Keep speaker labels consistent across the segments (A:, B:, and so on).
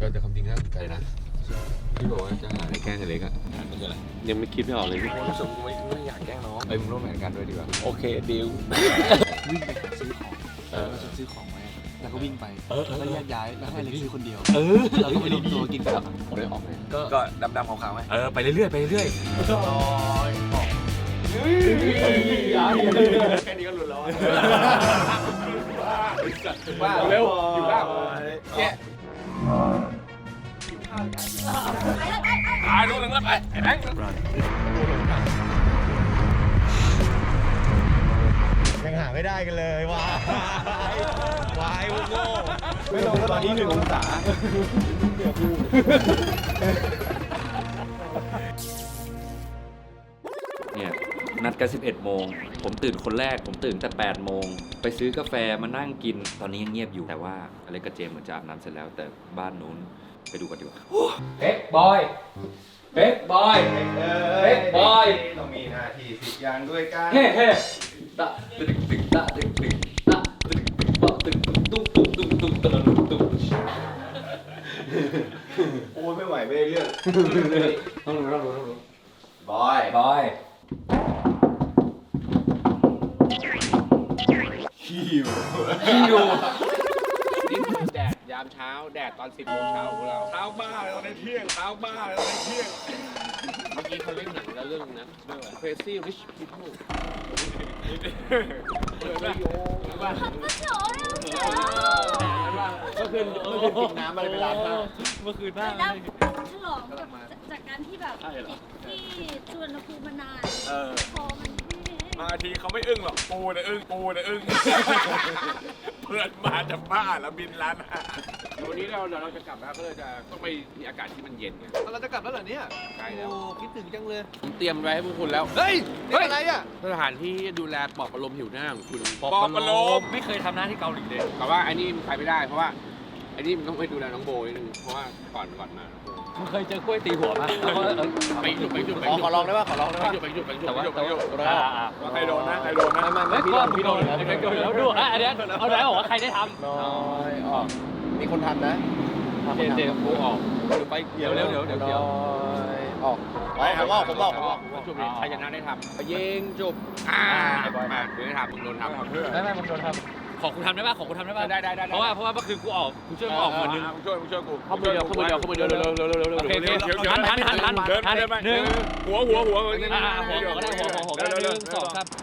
A: แต่ความจริงน่าสนใจนะที่บอกว่าจะหาอะไรแกล้งกันเล็กอะมันคืออะไรยังไม่คิดไม่ออกเลยพี่รู้สึกไม่อยากแกล้งน้องมึงร่วมแผนกันด้วยดีกว่าโอเคดีล
B: วิ่งไปหาซื้อของแล้วฉันซื้อของไว้แล้วก็วิ่งไปแล้วแยกย้ายแล้วให้เล็กซื้อคนเดียวเราก็ไปรวมตัวกินกัน
A: ผมได้ออกไหม
C: ก็ดำๆขาวๆไหม
A: ไปเรื่อยๆไปเรื่อย
C: แค่นี้ก็หลุดแล้ว
A: ว่าเร็วอยู่บ้างแกลูกหนึ่งแล้วไปไอ้แบงค์
D: ยังหาไม่ได้กันเลยวายวายโง่
C: ไม่ลงตอนนี้1 องศา
E: เนี่ยนัดกัน11 โมงผมตื่นคนแรกผมตื่นแต่8 โมงไปซื้อกาแฟมานั่งกินตอนนี้ยังเงียบอยู่แต่ว่าอะไรกับเจมเหมือนจะอาบน้ำเสร็จแล้วแต่บ้านนู้นไปดูกันดีกว่าเบ๊กบอยเบ๊กบอยเบ๊กบอย
C: ต้องมีหน้าที่10 อย่างด้วยกัน
E: เฮ้เฮ้ตะตึกตึกตะตึกตึกตะตึกตึกตะตึกตึกตุ้มตุ้มตุ้มตุ้มตุ้มตุ้ม
C: โอ้ไม่ไหวไม่ได้เรื่อง
E: ต้องรู้
C: บอย
E: บอย
C: หิว
A: นี่คือแดดยามเช้าแดดตอน10 โมงเช้าของเราเช้าบ้าเลยตอนเที่ยงเช้าบ้าเลยตอนเที่ยงเมื่อกี้เขาเล่นหนังแล้วเรื่องนั้นเรื่องอะไร Crazy Rich People เมื่อคืนกินน้ำอะไรไปร้านข้าว
E: เมื่อคืนบ้าง
F: ฉลองจากการที่แบบที่ชวนภูมิมานานพอมัน
A: มาทีเขาไม่อึ้งหรอกปูนะอึ้งเพื่อนมาจะบ้าแล้วบินร้านวันนี้เราจะกลับแล้วก็เลยจะต้องไปมีอากาศที่มันเย็นไง
B: เราจะกลับแล้วเหรอเนี่ย
A: ใกล้แล้ว
B: คิดถึงจังเลย
A: เตรียมไว้ให้พวกคุณแล้ว
B: เฮ้ยอะไรอ่ะ
A: สถานที่ดูแลปลอบประโลมผิวหน้าของคุณ
E: ปอบประโลมไม่เคยทำหน้าที่เกาหลีเลย
A: แต่ว่าไอ้นี่มันใช้ไม่ได้เพราะว่าไอ้นี่มันต้องไปดูแลน้องโบนิดนึงเพราะว่าก่อนมา
E: มึงเคยเจอกล้วยตีหัวป่ะ
A: ไปหยุด
B: ขอลองได้ป่ะ
A: ไปหยุดว่าใครโดนนะ
E: ไม่พี่โดนแล้วดูอันนี้เอาไหนบอกว่าใครได้ทำ
B: น้อยออกมีคนทันนะ
A: เจกูออก
E: ไปเดี๋ยว
B: ออกผมออก
A: จุบใครชนะได้ทำยิงจุบมาเดี๋ยวได้ทำมึงโดนทำ
E: ไม่มึงโดนทำขอคุณทำได้ป่ะ
A: ได้
E: เพราะว่าเมื่อคืนกูออกกูช่วยมึงออกคนนึง
A: ช่วยกู
E: เข้ามือเดียวเร็วโอเคทันหนึ่ง
A: หัว
E: หัวก็ได้หัวก็ได้1 2 3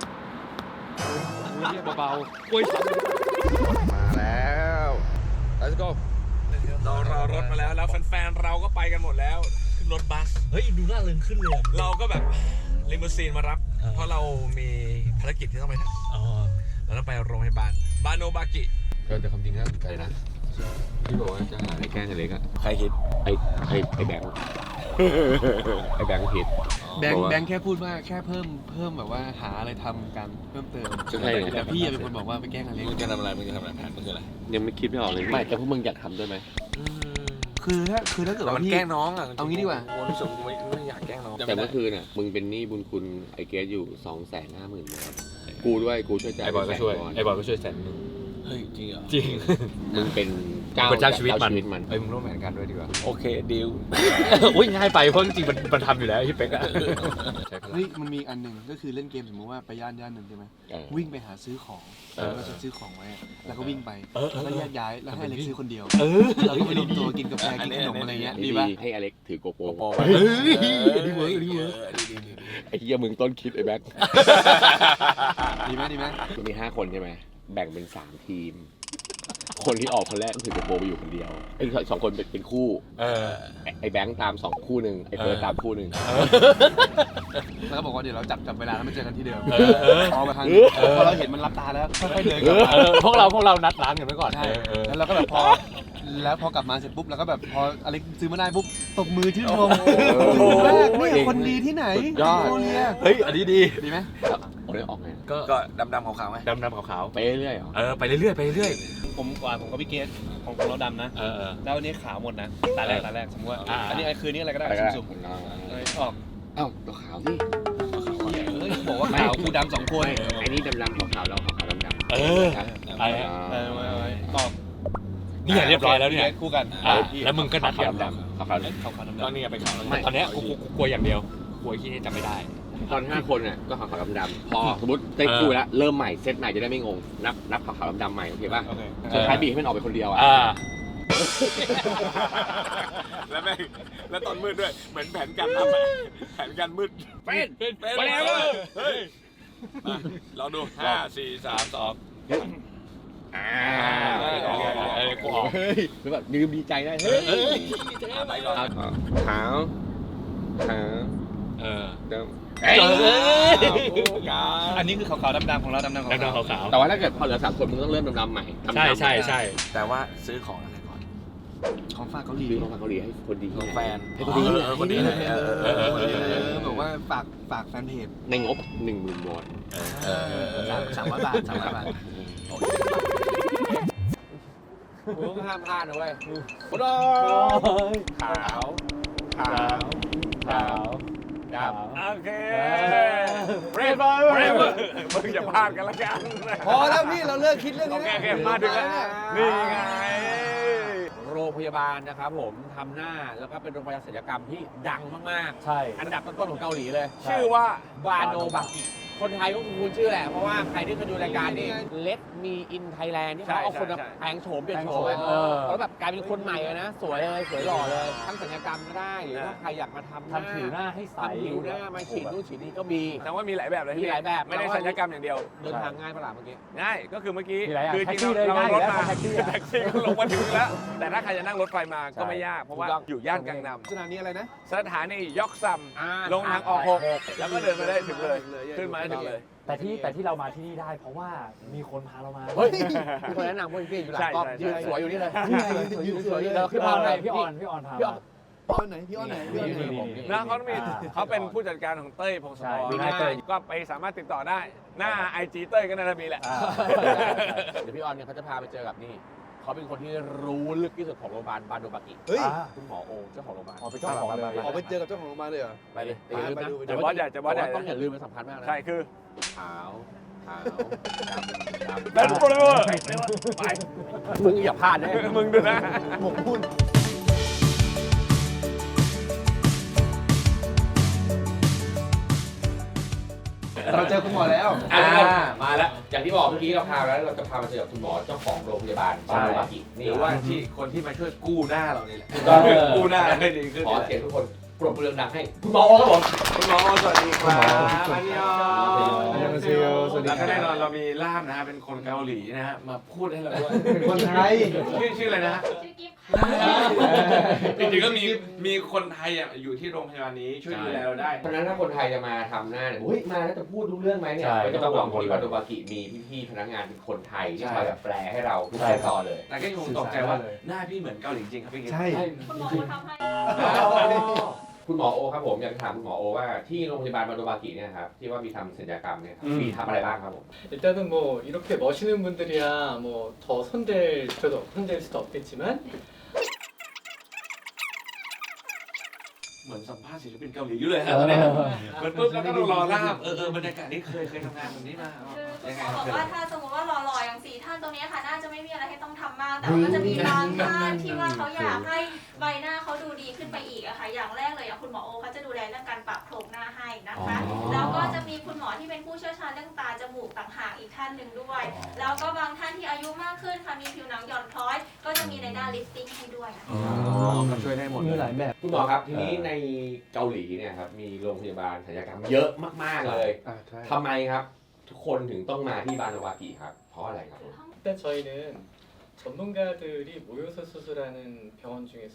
E: เบาๆกล้วยซ้ำ
C: มาแล้ว let's go
A: เรารอรถมาแล้วแฟนๆเราก็ไปกันหมดแล้วขึ้นรถบัส
E: เฮ้ยดูหน้าลึงขึ้นเลย
A: เราก็แบบลิมูซีนมารับเพราะเรามีภารกิจที่ต้องไปทำเราต้องไปโรงพยาบาลบาโนบากิแต่ความจริงน่าสนใจนะที่บอกว่าจะหาอะไรแกล้งกันเล็กอะ
C: ใครคิด
A: ไอ้แบงค์ไอ้แบงค์ผิด
B: แบงค์แค่พูดว่าแค่เพิ่มแบบว่าหาอะไรทำกันเพิ่มเติมแต่พี่เป็นคนบอกว่าไปแกล้งอะไร
A: มึงจะทำอะไรแผนมึงคืออะไรยังไม่คิดไม่ออกเลยไม่แต่พวกมึงอยากทำด้วยไหม
B: คือถ้าเกิดว่า
C: แกล้งน้องอ่ะ
B: เอางี้ดีกว่า
C: รู้สึกกูไม่อยากแกล้งน้อง
A: แต่เมื่อคืนน่ะมึงเป็นหนี้บุญคุณไอ้เกสอยู่ 250,000 บาทกูด้วยกูช่วยจ่ายไอ้บอยก็ช่วย100,000
C: เฮ้ยจริงเหรอ
A: จริงมึงเป็นเจ้าชีวิตมัน
C: มึงร่วมแผนกันด้วยดีกว่า
A: โอเคดีลอุ้ยง่ายไปเพราะจริงๆมันทำอยู่แล้วพี่เป๊กอะ
B: เฮ้ยมันมีอันหนึ่งก็คือเล่นเกมสมมติว่าไปย่านหนึ่งใช่ไหมวิ่งไปหาซื้อของเราจะซื้อของไว้แล้วก็วิ่งไปแล้วแยกย้ายแล้วให้เล็กซื้อคนเดียวเราก็ไปรวมตัวกินกาแฟกินขนมอะไรเงี้ยดีป่ะ
A: ให้อเล็กถือโกโปร
B: ดีเวิร์ก
A: ไอ้เหี้ยมึงต้นคิดไอ้แบ็ค
B: ดีไหม
A: มี5 คนใช่ไหมแบ่งเป็น3 ทีมคนที่ออกคนแรกก็คือจะโปรไปอยู่คนเดียวไอ้2 คนเป็นคู่ไอ้แบงค์ตาม2 คู่หนึ่งไอ้เฟิร์สตามคู่หนึ่ง
B: แล้วก็บอกว่าเดี๋ยวเราจับเวลาแล้วมาเจอกันที่เดิมเอาไปทางพอเราเห็นมันรับตาแล้วค่อยๆเดินกลับมา
E: พวกเรานัดร้านกันไว้ก่อน
B: แล้วเราก็แบบพอกลับมาเสร็จปุ๊บแล้วก็แบบพออะไรซื้อมาได้ปุ๊บตบมือชื่นชมแรกนี่คนดีที่ไหนโคเรีย
E: เฮ้ยอันนี้ดีไหม
A: ผมได้ออกไง
C: ก็ดำๆขาวๆไหม
A: ดำขาวไปเรื่อย
E: ไปเรื่อยผมกับพี่เกสของเราดำนะแล้วอันนี้ขาวหมดนะตาแรกสมมติว่าอันนี้คืนนี้อะไรก็ได้สุ่มออก
A: ตัวขาวสิ
B: บอกว่าขาวกูดำ2 คน
A: ไอ้นี่ดำขาวเราขาวดำ
E: ไปออกเนี่ยเรียบร้อยแล้วเนี่ย
B: คู่กัน
E: แล้วมึงก็นัดขาวดำ
C: ขาวดำ
A: ตอนนี้ไปขาว
E: ตอนเนี้ยกูกลัวอย่างเดียวกลัวที่นี่จำไม่ได้
C: ตอน5 คนเนี่ยก็ขาวดำๆพอสมมติได้คู่แล้วเริ่มใหม่เซตใหม่จะได้ไม่งงนับขาวดำๆใหม่โอเคป่ะ
B: โอเค
C: สุดท้ายบีให้มันออกไปคนเดียวอ่ะ
A: แล้วแม่งแล้วตอนมืดด้วยเหมือนแผนการทำแผนการมืดเป็นเฮ้ยเราดู5 4 3 2
C: กูออกหรือแบบดื่มดีใจได้เฮ้ย
A: ไปก่อน
C: ขาวดำ
B: อันนี้คือขาวๆดำๆของเราดำๆของ
E: ดำ
B: เรา
E: ขาว
C: แต่ว่าถ้าเกิดพอเหลือ3 คนมึงต้องเริ่มดำๆใหม่
E: ๆใช่
A: แต่ว่าซื้อของอะไรก่อน
B: ของฝากเกาหลี
C: ซื้อของเกาหลีให้คนดี
A: ของแฟน
C: ให้คนดี
A: คนดีเลย
B: บอกว่าฝากแฟนเพจ
C: ในงบ 10,000 วอน
B: 300 บาท300 บาท
C: มึงห้ามพลาดนะเว้ยโอ้โหขาวดำ
A: โอเคเบรฟมึงอย่าพลาดกันละกัน
B: พอแล้วพี่เราเลิกคิดเรื่องนี้
A: โอเคมาถึงแล้วนี่ไง
C: โรงพยาบาลนะครับผมทำหน้าแล้วก็เป็นโรงพยาบาลศัลยกรรมที่ดังมาก
E: ใช่
C: ๆ อันดับต้นๆของเกาหลีเลย
A: ชื่อว่า
C: บาโนบากิคนไทยก็คุ้นชื่อแหละ เพราะว่าใครที่เคยดูรายการนี้ Let Me In Thailand ที่เขาเอาคนมาแปลงโฉมเปลี่ยนโฉมแล้วแบบกลายเป็นคนใหม่เลยนะ สวยเลยสวยหล่อเลยทั้งศัลยกรรมก็ได้หรือว่าใครอยากมาทำผิวหน้าให้ใสผิวหน้ามาฉีดนู่นฉีดนี่ก็มี
A: แต่ว่ามีหลายแบบเลย
C: มีหลายแบบ
A: ไม่ได้ศัลยกรรมอย่างเดียว
C: เดินทางง่ายปะล่ะเมื่อกี้
A: ง่ายก็คือเมื่อกี้
E: มีหลายอย่าง
A: คือจริง
E: แท็กซี่เลย
A: ๆเรา
E: ง่าย
A: รถมา
E: แล้วแท็กซี่อะ
A: แท็กซี่ก็ลงมาถึงแล้ว แต่ถ้าใครจะนั่งรถไฟมาก็ไม่ยากเพราะว่าอยู่ย่านกังน
B: สถานีอะไรนะ
A: ำสถานียอกซัมลงทางออก6แล้วก็เดินมาได้ถึงเลยขึ้นมาได้ถึงเลย
D: แต่ที่เรามาที่นี่ได้เพราะว่ามีคนพาเรามา
C: เฮ้ยมีคนแนะนำว่าพี่อยู่หลังกล้องยืนสวยอยู่นี่เลยยืนสวยอยู่เลยขึ้นมาเลย
D: พี่ออนพา
C: พี่ออน
B: พี่อ้อนไหนพี่อ้อนไหนพี่อ้อนไหน
A: นะเขาเป็นผู้จัดการของเต้ยพงศธรก็ไปสามารถติดต่อได้ หน้า IG เต้ยก็น่าจะมีแหละ
C: เดี๋ยวพี่ออนเนี่ยเขาจะพาไปเจอกับนี่เขาเป็นคนที่รู้ลึกที่สุดของโรงพยาบาลบาโนบากิ
B: เฮ้ย
C: คุณหมอโอเจ้าของโรงพยาบาล
D: ออกไปเจ้าของเลย
B: ออกไปเจอกับเจ้าของโรงพยาบาลเลยเหรอ
C: ไปเลยอย่าลืมนะ
A: จะบอสใหญ่จะบอสใหญ่
C: ต้องอย่าลืมมันสำคัญมากนะ
A: ใช่คือ
C: ขาวดำ
A: แบนโปรเวอร์ไป
C: มึงอย่าพลาดนะ
A: มึงดูนะ
B: หมกมุ่นเราเจอคุณหมอแล้ว
C: มาแล้วอย่างที่บอกเมื่อกี้เราพาแล้วเราจะพามาเจอกับคุณหมอเจ้าของโรงพยาบาลบาโนบากิ
A: ห
C: นี่
A: รือว่าที่คนที่มาช่วยกู้หน้าเรานี่แหละ
C: ก็
A: กู้หน้าให้ดีขึ้น
C: ขอเสียงทุกคนปรบมือดังให้คุณหมอครับผม
A: คุณหมอสวัสดีครับอันยอง
B: อันยองเซโยสวัสดี
A: แล้ว
B: ครั
A: ก็
B: บ
A: แน่นอนเรามีล่ามนะฮะเป็นคนเกาหลีนะฮะมาพูดให้เราด้วย
B: เป็นคนไทย
A: ชื่ออะไรนะฮะ
F: ชื่อกิฟต์
A: จริงๆก็มีคนไทยอ่ะอยู่ที่โรงพยาบาลนี้ช่วยดูแลเราได้
C: เพราะฉะนั้นถ้าคนไทยจะมาทำหน้าเนี่ยอุ้ยมาแล้วจะพูดรู้เรื่องไหมเนี่ยไม่ต้องห่วงที่บาโนบากิมีพี่ๆพนักงานเป็นคนไทยที่คอยแบบแปลให้เราทุกขั้นตอนเลย
A: แต่ก็ยังคงตกใจว่าหน้าพี่เหมือนเกาหลีจริงครับพี่กิ๊ฟ
B: ใช่
F: คุณหมอเขาทำให้
C: คุณหมอโอครับผมอยากถามคุณหมอโอว่าที่โรงพยาบาลบาโนบากิเนี่ยครับที่ว่ามีทำศัลยกรรมเนี่ยมีทำอะไรบ้างครับผม
G: 일단은 뭐 이렇게 멋있는 분들이야 뭐 더 손댈 수도 없겠지만
A: เหมือนสัมภาษณ์ศิลปินเกาหลีอยู่เลยฮะตอนนี้เหมือนปุ๊บแล้วก็ต้องรอล่ามบรรยากาศนี้เคยทำงานแบบนี้มา
F: คือ
A: ยังไง
F: เขาบอกว่าถ้าสมมติว่าหล่อๆอย่าง4ท่านตรงนี้ค่ะน่าจะไม่มีอะไรให้ต้องทำมากแต่ว่าก็จะมีบางท่านที่ว่าเขาอยากให้ใบหน้าเขาดูดีขึ้นไปอีกอะค่ะอย่างแรกเลยอย่างคุณหมอโอเขาจะดูแลเรื่องการปรับโครงหน้าให้นะคะแล้วก็จะมีคุณหมอที่เป็นผู้เชี่ยวชาญเรื่องตาจมูกต่างหากอีกท่านหนึ่งด้วย แล้วก็บางท่านที่อายุมากขึ้นค่ะมีผิวหนังหย่อนคล้อย ก็จะมีในด้านลิฟติ้งให้ด้วยนะคะ
A: ก็ช่วยได้หมด
D: มี
A: เลย
D: หลายแบบ
C: คุณหมอครับทีนี้ในเกาหลีเนี่ยครับมีโรงพยาบาลศัลยกรรมเยอะมากๆเลยทำไมครับทุกคนถึงต้องมาที่บาโนบากิครับเพราะอะไรครับ
G: 일단 저희는 전문가들이 모여서 수술하는 병원 중에서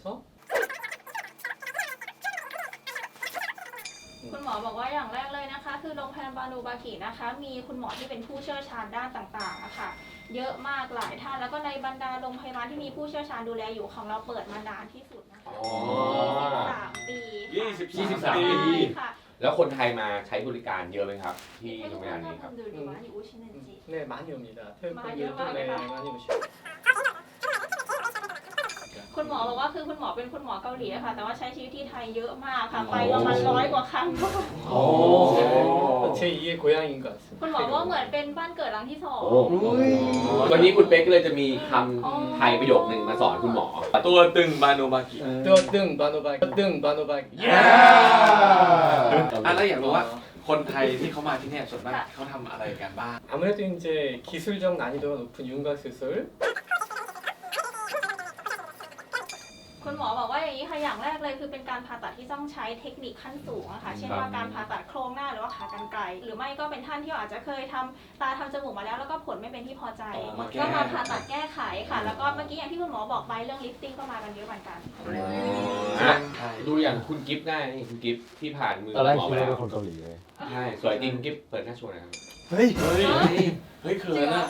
F: คุณหมอบอกว่าอย่างแรกเลยนะคะ คือโรงพยาบาลบาโนบากินะคะ มีคุณหมอที่เป็นผู้เชี่ยวชาญด้านต่างๆนะคะเยอะมากหลายท่านแล้วก็ในบรรดาโรงพยาบาลที่มีผู้เชี่ยวชาญดูแลอยู่ของเราเปิดมานานที่สุดนะคะ23 ปี
C: 23 ปี
F: ค่ะ
C: แล้วคนไทยมาใช้บริการเยอะไหมครับที่
F: ให้
C: โร
F: ทุ
C: ง
F: ก
C: พยา
F: ท่า
C: บาน ลนี้ครับ
F: ทำดูดีว่าอยู่อุชินันจิ
G: 네 많이 옵니다. 태국
F: 많이
G: 분들도
F: 와요?
G: 네 많이 오시고.
F: คุณหมอบอกว่าคือคุณหมอเป็นคุณหมอเกาหลีอะค่ะ แต่ว่าใช้ชีวิตที่ไทยเยอะมากค่ะ ไปประมาณ100 กว่าครั้ง
G: 제 2의 고향인 것 같습니다.
F: คุณหมอว่าเหมือนเป็นบ้านเกิดหลังที่สอง
C: วันนี้คุณเป๊กก็เลยจะมีคำไทยประโยคนึงมาสอนคุณหมอ
A: ตัวตึงบาโนบากิ
G: 뜨등 바노바기. 뜨등 바노바기.
A: แล้วอยากรู้ว่าคนไทยที่เขามาที่เนี่ยส่วนมากเขาทำอะไรกันบ้าง
G: 아무래도 이제 기술적 난이도가 높은 윤곽 수술,
F: คุณหมอบอกว่าอย่างนี้ค่ะ อย่างแรกเลยคือเป็นการผ่าตัดที่ต้องใช้เทคนิคขั้นสูงอะค่ะ เช่นว่าการผ่าตัดโครงหน้าหรือว่าขากรรไกร หรือไม่ก็เป็นท่านที่อาจจะเคยทำตาทำจมูกมาแล้วแล้วก็ผลไม่เป็นที่พอใจ ก็มาผ่าตัดแก้ไขค่ะ แล้วก็เมื่อกี้อย่างที่คุณหมอบอกไปเรื่องลิฟติ้งก็มากันเยอะเหมือนกัน
C: ดูอย่างคุณกิฟต์ได้นี่คุณกิฟต์ที่ผ่านมือ
D: ตอนแรก
C: หมอ
D: คิด
C: ไป
D: ว่า
C: แล้ว
D: เป็นคนเกาหลีเลย
C: ใช่สวยจริงกิฟต์เปิดหน้าโชว์หน่อยครับ
B: เฮ้ย
A: เฮ้ยเขินอะ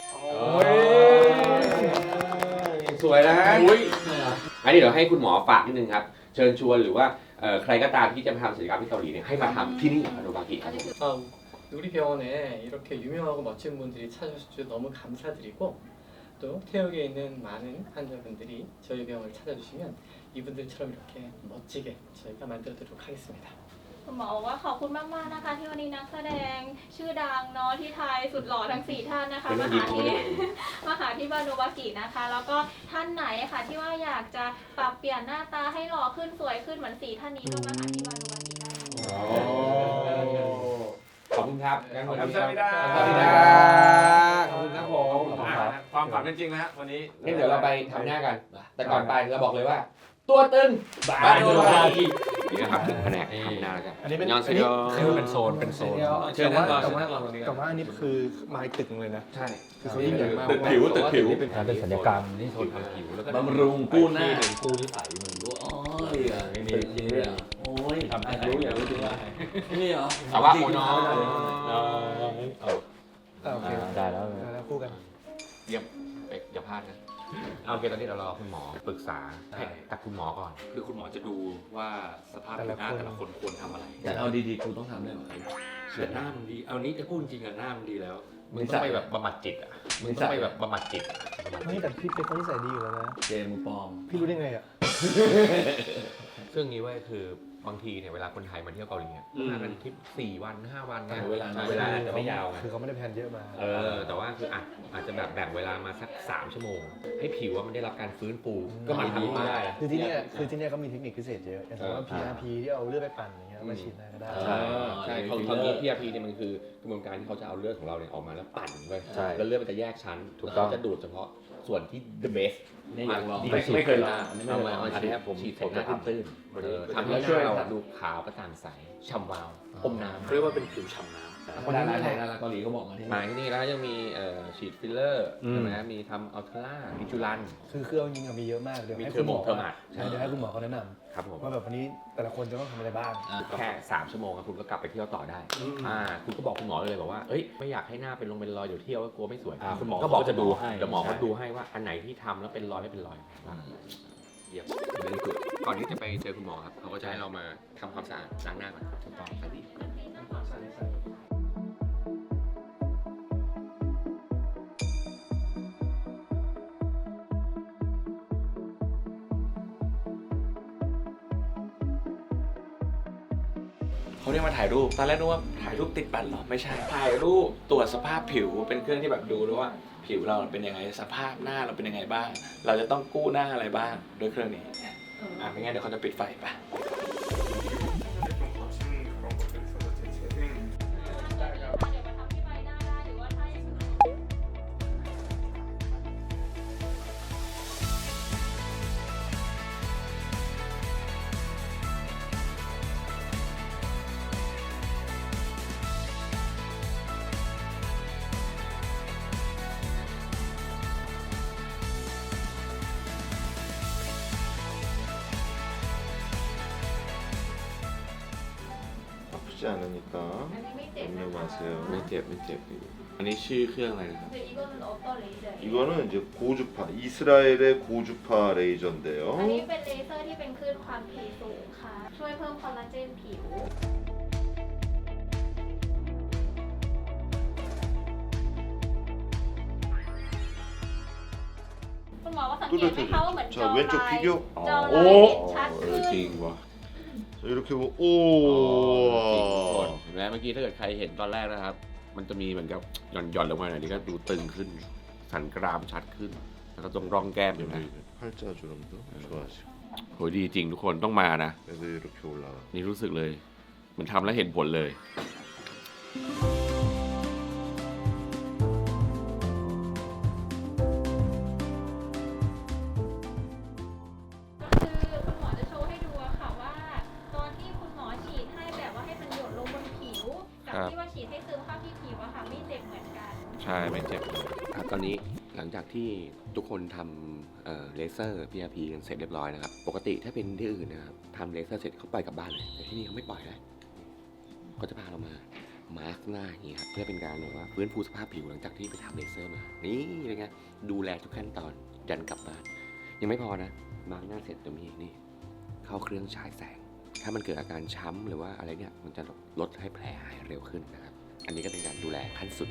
C: สวยนะอันนี้เดี๋ยวให้คุณหมอฝากนิดนึงครับ เชิญชวนหรือว่าใครก็ตามที่จะมาทำศัลยกรรมที่เกาหลีเนี่ยให้มาทำที่นี่บาโนบากิครับ
G: 아, 우리 병원에 이렇게 유명하고 멋진 분들이 찾아주셔서 너무 감사드리고 또 태국에 있는 많은 환자분들이 저희 병원을 찾아주시면 이분들처럼 이렇게 멋지게 저희가 만들어드리도록 하겠습니다.
F: คุณหมอบอกว่าขอบคุณมากๆนะคะ ที่วันนี้นักแสดงชื่อดังเนาะที่ไทยสุดหล่อทั้ง 4 ท่านนะคะมาหาที่บาโนบากินะคะ แล้วก็ท่านไหนค่ะที่ว่าอยากจะปรับเปลี่ยนหน้าตาให้หล่อขึ้นสวยขึ้นเหมือน 4 ท่านนี้ก็มาหาที่บาโนบากิได้
C: ขอบคุณครับ
A: ขอบคุณครับ
C: ขอบคุณครับขอบคุณครับผม
A: ความฝันเป็นจริงแล้ววันนี้
C: งั้นเดี๋ยวเราไปทำหน้ากัน แต่ก่อนไปเราบอกเลยว่า ตัวตึงบาโนบากินี่นะครับถึงแผนกทำหน้าแล้วกัน
B: อันนี้เป็น
C: ยอนเซโย
A: เป็นโซนเป็นโซน
B: เชิญนั่งรอตรงนี้แต่ว่าอันนี้คือไม้ตึกเลยนะ
C: ใช่
B: คือเขายิ่งใหญ่มาก
A: ตึกผิวตึกผิว
C: เป็นศัลยกรรมนี่โซนทำผิวแล้วก็
E: บำรุงกู้หน้า
C: กู้นิสัยมึงด้วยไม่มีโอ้ยทำให้รู้อย่างรู้จริงว่า
E: นี่เหรอ
C: แต่ว่าโอ้น้อง
B: โอเค
D: ได้แล้ว
B: แล้วคู่กัน
C: เยี่ยมอย่าพลาดนะเอาโอเคตอนนี้เรารอคุณหมอปรึกษากับคุณหมอก่อน
E: คือคุณหมอจะดูว่าสภาพผิวหน้าแต่ละคนควรทำอะไรแต่เอาดีๆกูต้องทำได้ไหมแต่หน้ามันดี เอานี้จะพูดจริงอะหน้ามันดีแล้ว
C: มึงต้องไปแบบบำบัดจิตอ่ะมึงต้องไปแบบบำบัดจิต
B: ไม่แต่พี่เป็นคนที่ใส่ดีอยู่แล้วนะ
E: เจมปลอม
B: พี่รู้ได้ไงอ่ะ
C: ซึ่งนี้เว้ยคือบางทีเนี่ยเวลาคนไทยมาเที่ยวเกาหลีเนี่ยมากันทริป4 วัน 5 วันนะ
E: เวลา
C: เวลาจะไม่ยาวไง
B: คือเขาไม่ได้แพลนเยอะมา
C: แต่ว่าคืออาจจะแบบแบ่งเวลามาสัก3 ชั่วโมง ให้ผิวว่ามันได้รับการฟื้นฟูก็มาทำได้
B: คือที่เนี่ยเขามีเทคนิคพิเศษเยอะอย่างสมมติว่า PRP ที่เอาเลือดไปปั่นอย่างเงี้ยมาฉีดได้ก็ได้
C: ใช่เขามี PRP เนี่ยมันคือกระบวนการที่เขาจะเอาเลือดของเราเนี่ยออกมาแล้วปั่นไว้
D: ใช่
C: แล้วเลือดมันจะแยกชั้นถูกต้องจะดูดเฉพาะส่วนที่ the best
E: นี่อยากลอง
C: ไม่เคยลอง
E: เอามา
C: อันนี้ผม
E: ฉีด
C: ผมหน้าตื้นทำให้หน้าเราดูขาวกระจ่างใสฉ่ำวาวอมน้ำ
E: เรียกว่าเป็นผิวฉ่ำน้ำ
B: คนนี้ไม่ไทย
E: เกาหลีเขาบอกมาที่
C: มาที่นี่แล้วยังมีฉีดฟิลเลอร์ใช่ไหมมีทำอัลทรามีจุลัน
B: คือเครื่องยิงมีเยอะมากเดี๋ยว
C: มี
B: ให้
C: เทอ
B: คุ
C: ร์
B: ณ
C: โม
B: หมอ
C: เทอร์มาด
B: ใช่เดี๋ยวให้คุณหมอเขาแนะน
C: ครับผม
B: ำว่าแบบวันนี้แต่ละคนจะต้องทำอะไรบ้าง
C: แค่3 ชั่วโมงครับคุณก็กลับไปเที่ยวต่อได้คุณก็บอกคุณหมอเลยบอกว่าเอ้ยไม่อยากให้หน้าเป็นรอยเดี๋ยวเที่ยวก็กลัวไม่สวยคุณหมอก็บอกจะดูให้เดี๋ยวหมอเขาดูให้ว่าอันไหนที่ทำแล้วเป็นรอยไม่เป็นรอยเยี่ยมเลยสุดก่อนที่จะไปเจอคุณหมอครับเขาก็จะให้เรามาทำความสะอาดล้างหน้าก่อนถูกต้องใส่ดี
A: เขาเรียกมาถ่ายรูป ตอนแรกนึกว่าถ่ายรูปติดบัตรเหรอ ไม่ใช่ ถ่ายรูปตรวจสภาพผิว เป็นเครื่องที่แบบดูด้วยว่าผิวเราเป็นยังไง สภาพหน้าเราเป็นยังไงบ้าง เราจะต้องกู้หน้าอะไรบ้างด้วยเครื่องนี้ ไม่งั้นเดี๋ยวเขาจะปิดไฟปะ
H: 아프지 않으니까
F: อันนี้ไม่เจ็บนะคะ
H: 염려 마세요.
A: ไม่เจ็บไม่เจ็บ อันนี้ชื่อเครื่องอะไรนะครับ
F: เดี๋ยวอีกคนออกเกาหลีเลย
H: 이거는 이제 고주파, 이스라엘의 고주파
F: อัน
H: 레이저인데요.
F: นี้เป็นเลเซอร์ที่เป็นคลื่นความถี่สูงค่ะ ช่วยเพิ่มคอลลาเจนผิว คุณหมอว่าสังเกตไหมคะว่าเหมือนจอ
H: 자
F: ลาย
H: 왼쪽 비교
F: จอลาย
A: โอ้
F: ชัดขึ้น
A: จริงว่ะ
H: 자, 이렇게 보면
C: จริงทุกคน
H: 오
C: เห็นไหมเมื่อกี้ถ้าเกิดใครเห็นตอนแรกนะครับ มันจะมีเหมือนกับหย่อนลงมาหน่อยนี่ก็ดูตึงขึ้น สันกรามชัดขึ้น แล้วก็ตรงร่องแก้มอยู่นะ
H: 여기 팔자주름도 좋아지고
C: โหดีจริงทุกคนต้องมานะ
H: 그래서 이렇게 올라가
C: นี่รู้สึกเลยเหมันทำแล้วเห็นผลเลย
F: คือคุณหมอจะโชว์ให้ดูอะค่ะว่า ตอนที่คุณหมอฉีดให้แบบว่าให้มันหยดลงบนผิว กับ
C: ครับ
F: ที่ว่าฉีดให้ซึมเข้าที่ผิวอะค่ะไม่เจ็บเหมือนกัน
C: ใช่ไม่เจ็บเลยครับตอนนี้หลังจากที่ทุกคนทำเลเซอร์ PRP กันเสร็จเรียบร้อยนะครับ ปกติถ้าเป็นที่อื่นนะครับทำเลเซอร์เสร็จเขาปล่อยกลับบ้านเลยแต่ที่นี่เขาไม่ปล่อยนะเขาจะพาเรามามาร์กหน้าอย่างนี้ครับเพื่อเป็นการแบบว่าฟื้นฟูสภาพผิวหลังจากที่ไปทำเลเซอร์มานี่เป็นไงดูแลทุกขั้นตอนยันกลับบ้าน ยังไม่พอนะมาร์กหน้าเสร็จจะมีนี่เข้าเครื่องฉายแสง ถ้ามันเกิดอาการช้ำหรือว่าอะไรเนี่ยมันจะลดให้แผลหายเร็วขึ้นนะครับอันนี้ก็เป็นการดูแลขั้นสุด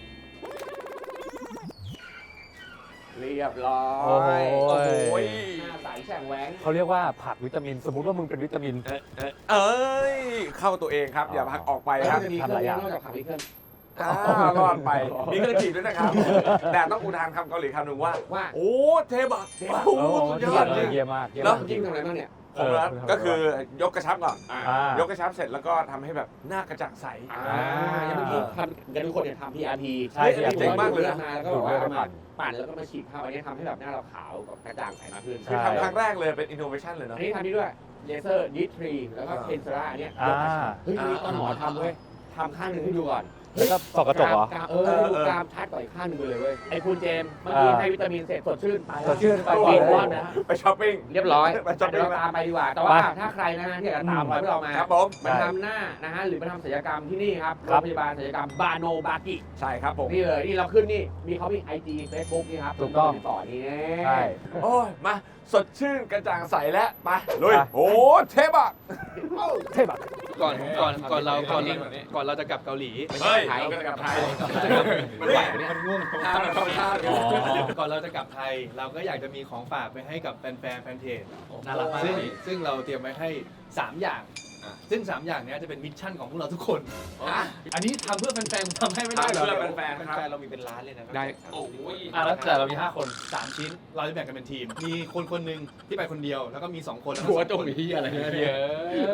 I: เรียบร้อย
C: โอ้โห
I: หน้าใสแฉ่งแหวง
J: เขาเรียกว่าผักวิตามิน สมมุติว่ามึงเป็นวิตามิน
I: เอ้ย เข้าตัวเองครับ อย่าพักออกไปครับ
C: มีเครื่องนอกจากผักมีเครื่อง
I: รอดไป มีเครื่องจีบด้วยนะครับ แต่ต้องอุทานคำเกาหลีคำหนึ่งว่า
C: ว่า
I: โอ้เทบักโอ้สุดยอดเลย
J: เยี่ยมมากเยี่ยม
I: แล้
J: มาว ก
C: จริงทำอะไรบ้างเนี่ย
I: ผมนะก็คือยกกระชับก่อน
J: ย
I: ยกกระชับเสร็จแล้วก็ทำให้แบบหน้ากระจ่างใส
C: อย่างเมื่อกี้ทำกันทุกคนเนี่ยทำ PRP
J: ใช่
I: เฮ้ยอันนี้เจ๋งมากเลยนะ
C: มาแล้วก็แบบว่าเอามาปั่นแล้วก็มาฉีดเข้าอันนี้ทำให้แบบหน้าเราขาวกับกระจ่างใสมากขึ้น
I: คือทำครั้งแรกเลยเป็นอินโนเวชันเลย
C: อั
I: เนาะ
C: นนี้ทำนี่ด้วยเลเซอร์ดิทรีแล้วก็เพนซราอันเนี้ย
J: อ่า
C: เฮ้ยอันนี้ตอนหมอทำเว้ยทำข้างหนึ่งให้ดูก่อน
J: แล้วก็ส่องกระจกเหรอ
C: กกรามชัดกว่าอีกข้างหนึ่งไปเลยเว้ยไอ้คุณเจมส์เมื่อกี้ให้วิตามินเสร็จสดชื่นไป
J: สดชื่นไปก่อน
C: กิน
J: เลย
C: ก้อนนะ
I: ไปช้อปปิ้ง
C: เรียบร้อย
I: ไปช้อปปิ้ง
C: เราตามไปดีกว่า แต่ว่าถ้าใครนะฮะที่อยากจะตามรอยพวกเรามา
I: ครับผม
C: มาทำหน้านะฮะหรือมาทำศัลยกรรมที่นี่ครับ
J: ค
C: โร
J: รับ
C: งพยาบาลศัลยกรรมบาโนบากิ
I: ใช่ครับผม
C: นี่เลยนี่เราขึ้นนี่มีเขามี IG Facebook นี่ครับ
J: ถูกต้อง
C: ติดต่อนี่
J: ใช่
I: โอ้ย มาสดชื่นกระจ่างใสแล้วไปลุย
J: ไป
I: โอ้เทบัก
J: ใช่แบบ
B: ก่อนเราจะกลับเกาหลี
I: เฮ้ยเราก็จะกลับไทย
C: มันไหวไหมเนี่ย
B: มันง่วง
I: ท่ามันเข้าท่า
B: ก่อนเราจะกลับไทย เราก็อยากจะมีของฝากไปให้กับแฟนเพจ
J: น่ารักมาก
B: ซึ่งเราเตรียมไว้ให้ 3 อย่าง ซึ่ง 3 อย่างเนี้ยจะเป็นมิชชั่นของพวกเราทุกคน อันนี้ทำเพื่อแฟนๆทำให้ไม่ได้หรอ
I: ทำเพื่อแฟนๆครับ
B: แฟนๆเรามีเป็นล้านเลยนะ
C: ได้
I: โอ้ย
J: แล้วแต่เรามี 5 คน
B: 3 ชิ้น เราจะแบ่งกันเป็นทีม มีคนหนึ่งที่ไปคนเดียว แล้วก็มี 2 คนแล้วก็
C: หัว
B: 2
C: จงที่อะไรเนี่ย
B: เยอะ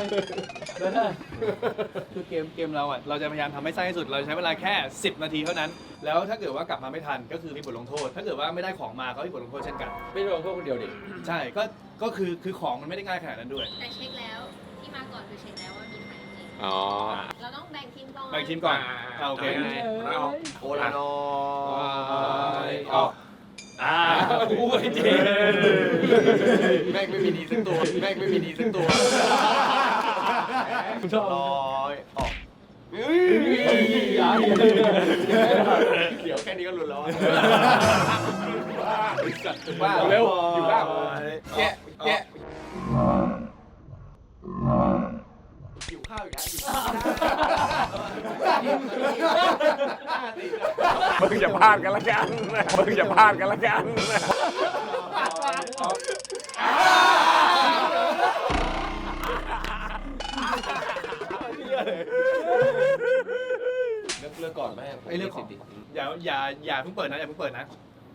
B: คือเกมเราอ่ะ เราจะพยายามทำให้สั้นที่สุด เราใช้เวลาแค่ 10 นาทีเท่านั้น แล้วถ้าเกิดว่ากลับมาไม่ทันก็คือมีบทลงโทษ ถ้าเกิดว่าไม่ได้ของมาก็มีบทลงโทษเช่นกัน
C: ไม่ลงโทษคนเดียวดิ
B: ใช่ ก็คือของมันไม่ได้ง่ายขนาดนั้นด้วย
F: แต่เช็คแล้วที่มาก่อนคือเช็คแล้วว่ามีใครจริง
C: อ๋อ
F: เราต้องแบ่งทีมก่อน
B: แบ่งทีมก่อนโอเค
I: เอาโอลานอย
B: ออกอู้ยจริง
I: แม่งไม่มีดีสักตัวแม่งไม่มีดีสักตัวลอยออกเดี๋ยวแค่นี้ก็หลุดแล้วว่าเร็วอยู่บ้างแกะหิวข้าวอีกแล้วมึงอย่าพลาดกันละกันมึงอย่าพลาดกันละกันเลือกก่อนไหม
B: ไอ้เรื่องของอย่าเพิ่งเปิดนะอย่าเพิ่งเปิดนะ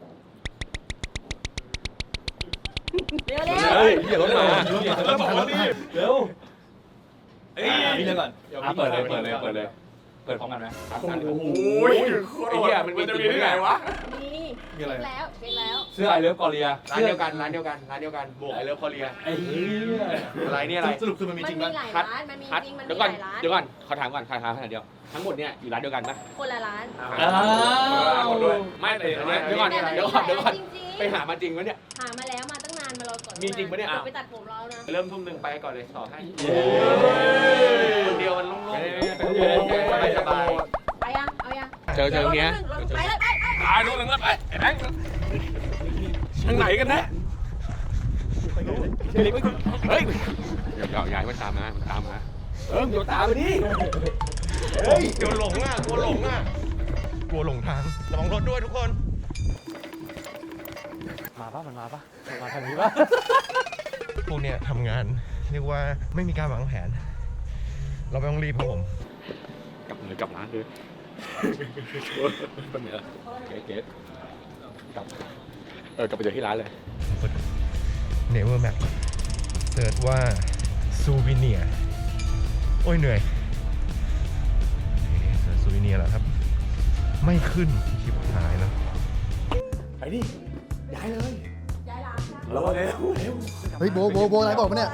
F: เร็ว
B: เฮ้ย
J: อย่าลดมา
B: แล้วบอกว่านี่เร็วเอ้ยพี่เรื่องก่อน
J: เปิดเลย เปิดพร้อมกันไหม
I: โอ้ยไอ้เหี้ยมันจะมีที่ไหนวะ
F: ๆมี
B: มีอะไร
F: แล้วเช็คแล้ว
J: เสื้อไอเลิฟกอเรีย
C: ร้านเดียวกันบวกไอเลิฟคอเรีย
J: ไอ้เหี้ย
C: อะไรเนี่ยอะไร
B: สรุปคือมันมี
F: มัน
B: จริง
F: มี
B: ป่ะ
F: หลาย
C: คัด
F: ร้านมันมีจริงมัน
C: เดี๋ยว
F: มี
C: ก่อน
F: หลายร้าน
C: เดี๋ยวก่อนขอถามก่อนขอถามขนาดเดียวทั้งหมดเนี่ยอยู่ร้านเดียวกันปะ
F: คนละร้าน
C: ไม่แต่เดี๋ยวก่อน
F: แต่มัน
C: เดี๋ยวก่อน
F: จริงๆ
C: ไปหามาจริงวะเนี่ย
F: หามาแล้วมาตั้งนานมารอก่อน
C: มีจริงปะเนี่ย
F: ไปตัดผมเรานะ
C: เริ่มทุ่มหนึ่งไปก่อนเลยต่อให้
J: เย้
C: คนเดียวมันโล่งๆสบาย
F: ไปยังเอายัง
C: เจอเนี้ย
F: ไปเลยไป
I: ตายนู่นแล้วไปไอ้แบงค์ทางไหนกันแน่เฮ้ย
C: เดี๋ยวย้ายมันตามมา
I: เดี๋ยวตามไปดิ
D: เฮ้ยกลัวหลงอ่ะกลัวหลงทางระวังรถด้วยทุกคน
J: มามาปะมันมาทางนี้ปะ
D: พวกเนี้ยทำงานเรียกว่าไม่มีการวางแผน เราไม่ต้องรีบครับผม
J: กลับร้านเลยคนเนี้ยเกตกลับกลับไปเจอที่ร้านเลย
D: Never Map เสิร์ชว่าซูวิเนียโอ้ยเหนื่อยเสิร์ชซูวิเนียแล้วครับ ไม่ขึ้นชิบหายแล้ว
I: ไปดิย้ายเลย
F: ย้ายร้านค่ะ
I: เราเร็ว
B: เฮ้ยโบอะไรบอกมาเนี่ย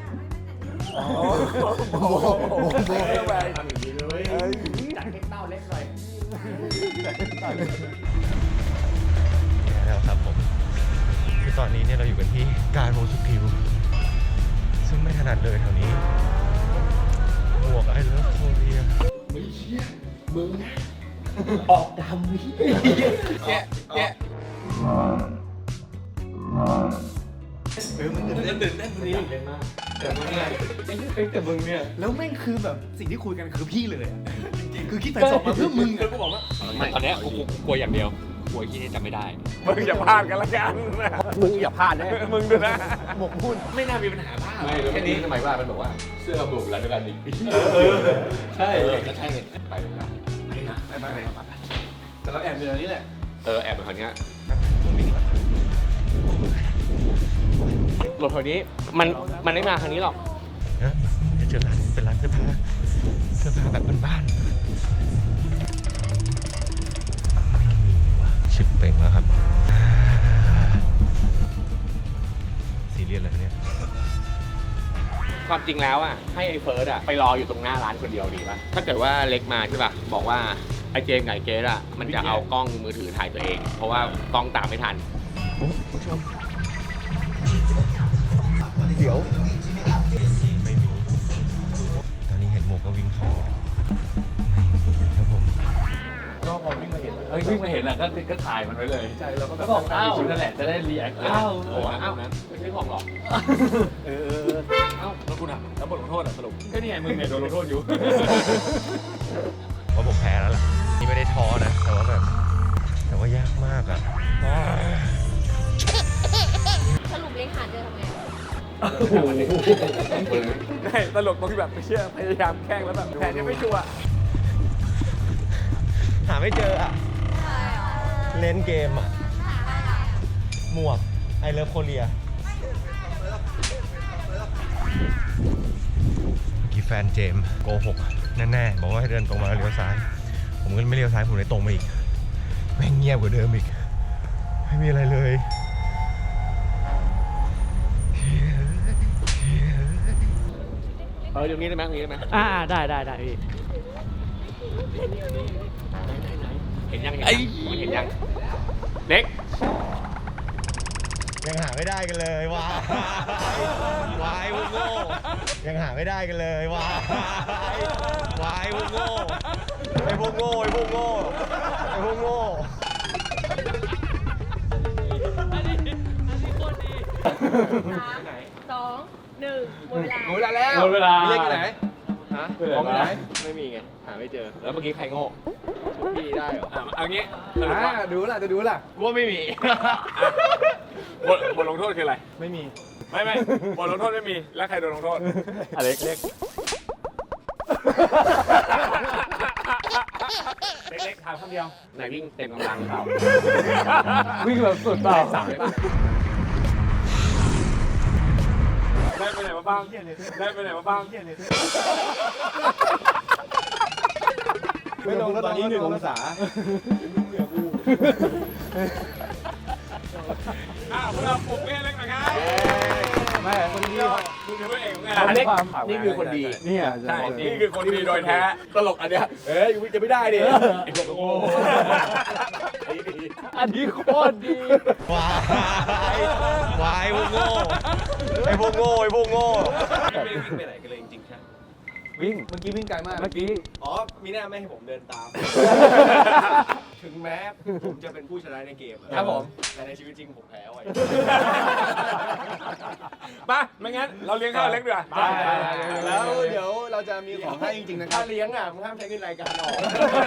D: แล้วครับผมคือตอนนี้เนี่ยเราอยู่กันที่การโมสุกิวซึ่งไม่ถนัดเลยแถวนี้หมวกไอ้เลิฟโคเรีย
B: แล้วแม่งคือแบบสิ่งที่คุยกันคือพี่เลยอะจริงๆคือคิดแต่สอบมาเพื่อมึงอะกูบอกว่า
E: ตอนเนี้ยกูกลัวอย่างเดียวกลัวที่นี่จำไม่ได้
I: มึงอย่าพลาดกันละกัน
C: มึงอย่าพลาดนะ
I: มึงดูนะ
B: หมกมุ่น
A: ไม่น่ามีปัญหาบ้า
J: ไม่แล้วเมื่อกี้ทำไมว่ามันบอกว่าเสื้อบุกร้านเดียวกันอีก
A: ใช่ก็ใช่
J: ไปเลยนะ
A: ไป
B: แต่เราแอบอยู่ตรงนี้แหละ
J: แอบไปคนเนี้ย
C: รถแถวนี้มันไม่มาทางนี้หรอก
D: นะจะเจอร้านเป็นร้านเสื้อผ้าแบบบ้านๆไม่มีว่ะชิบเป่งแล้วครับซีเรียสเลยเนี่ย
C: ความจริงแล้วอ่ะให้ไอ้เฟิร์สอ่ะไปรออยู่ตรงหน้าร้านคนเดียวดีป่ะถ้าเกิดว่าเล็กมาใช่ป่ะบอกว่าไอ้เจมส์กับไอ้เกสอ่ะมันจะเอากล้องมือถือถ่ายตัวเอง เพราะว่ากล้องตามไม่ทัน
D: เดี๋ยวไม่มีตอนนี้เห็นหมวกก็วิ่งเข้าไม่มีครับผม
J: ก็พอวิ่งมาเห็นวิ่งมาเห็นแหละก็ถ่ายมันไว้เลยใช่เราก็บอกอ้าวนั่นแหละจะได้รีแอคอ้าวโอ้อ้าวนั้น
C: ไม่ใช่ของหรอก
J: เอ้าแล้วคุณอ่ะแล้วบทลงโทษอ่ะสรุปก็นี่ไงมึงเนี่ยโดนลงโทษอยู่
D: ว่าผมแพ้แล้วล่ะนี่ไม่ได้ท้อนะแต่ว่ายากมากอ่ะ
F: สรุปเล็กหาเจอทำไง
I: ได้ตลกตรงที่แบบไม่เชื่อพยายามแกล้งแล้วแบบแผนยังไม่ชัวร์
D: หาไม่เจออ่ะ เล่นเกมอ่ะ หมวกไอเลิฟโคเรียเมื่อกี้แฟนเจมส์โกหกแน่ๆบอกว่าให้เดินตรงมาแล้วเลี้ยวซ้าย ผมก็ไม่เลี้ยวซ้ายผมเลยตรงมาอีกแม่งเงียบกว่าเดิมอีก ไม่มีอะไรเลย
C: ตรงนี้ได้ไหมตรงนี้ได้ไหม
G: ได้พี่
C: เห็นยังเห็นยังเล็ก
D: ยังหาไม่ได้กันเลยวายวายพวกโง่ยังหาไม่ได้กันเลยวายวายพวกโง่ไอพวกโง่ไอพวกโง่ไอพวกโง่
F: 3 2 1หมดเวลา
C: หมดเวลาแล้ว
J: หมดเวลา
C: เล็กอยู่ไหนฮะ
J: ของไหน
C: ไม่มีไงหาไม่เจอแล้วเมื่อกี้ใครโง่พี่ได้เหรอ
I: เอางี้สรุปว่า
B: ดูล่ะจะดูล่ะ
C: ว่าไม่มี
I: บทลงโทษคืออะไร
B: ไม่มี
I: ไม่บทลงโทษไม่มี แล้วใครโดนลงโทษ
J: เล็ก
C: เล็กๆถามคำเดียวไหนวิ่งเต็มกำลังเขา
J: วิ่งแบบสุดเปล่า
C: สามเลยป่ะ
I: ได้ไปไหนมาบ้าง ได้ไปไหนมาบ้าง
B: ไม่ลงแล้วตอนนี้1 องศา
I: พวกเราปลุกเล่นเล็กหน่อยครับ
B: ไม่คนที่
I: มึงคือพระเอกของงาน
C: อันนี้นี่คือคนดี
B: เนี่ย
I: ใช่ นี่คือคนดีโดยแท้ ตลกอันเนี้ยจะไม่ได้ดิไอ้พวกโง่
J: อันนี้โคตรดี
D: วายพวกโง่ไอพวกโง่ไอพวกโง่
I: วิ่งไปไหนกันเลยจริงๆใช่
J: วิ่ง
B: เมื่อกี้วิ่งไกลมาก
J: เมื่อกี้
D: อ๋อมีหน้าไม่ให้ผมเดินตาม
I: ค
D: ถึงแม้ผมจะเป็นผู้ชนะในเกมอะ
C: ครับผม
D: แต่ในชีวิตจริงผมแพ้ไว้
I: มาไม่งั้นเราเลี้ยงข้าวเล็กดีกว่า
B: แล้วเดี๋ยวเราจะมีของให้จริงๆนะครั
D: ถ้า
B: บ
D: เลี้ยงอ่ะมึงห้ามใช้เงินรายการออก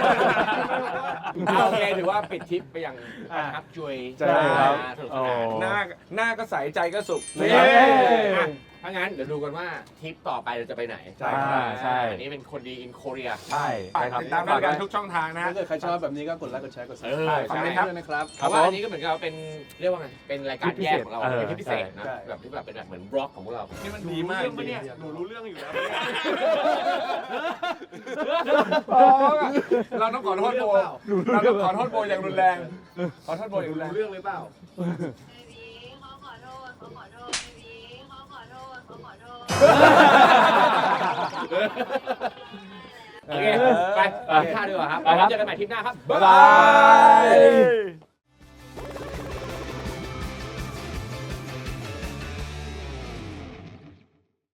C: โอเคถือว่าปิดทริปไปอย่างประทับใจ
J: ใช่ครับ
C: สนุกสนาน
I: หน้าก็ใสใจก็สุข
C: อ่ะถ้างั้นเดี๋ยวดูกันว่าทริปต่อไปเราจะไปไหน
J: ใช่ครับใช่
C: อันนี้เป็นคนดี in Korea
J: ใช่
I: ติดตามรายการทุกช่องทางนะ
B: ถ้าเกิดใครชอบแบบนี้ก็กดไลค์กดแชร์กด
C: เออ
B: คอมเมนต์ด้วยนะครับ
C: เพราะว่าอันนี้ก็เหมือนกับเป็นเรียกว่าไง เป็นรายการแยกของเรา เป็นทริปพิเศษนะ
B: ใช่
C: แบบที่แบบเป็นแบบเหมือนบล็อกของพวกเรา
I: นี่มันดีมาก
D: หนูรู้เรื่องอยู่แล้ว
I: เราต้องขอโทษโบเราต้องขอโทษโบอย่างรุนแรง ขอโทษโบอย่างรุนแรง
D: รู้เรื่องหรือเปล่า
C: โอเค ไปกินข้าวดีกว่าครับ
J: ไปครับ
C: เจอกันใหม่ทริปหน้าครับ
J: บ๊ายบาย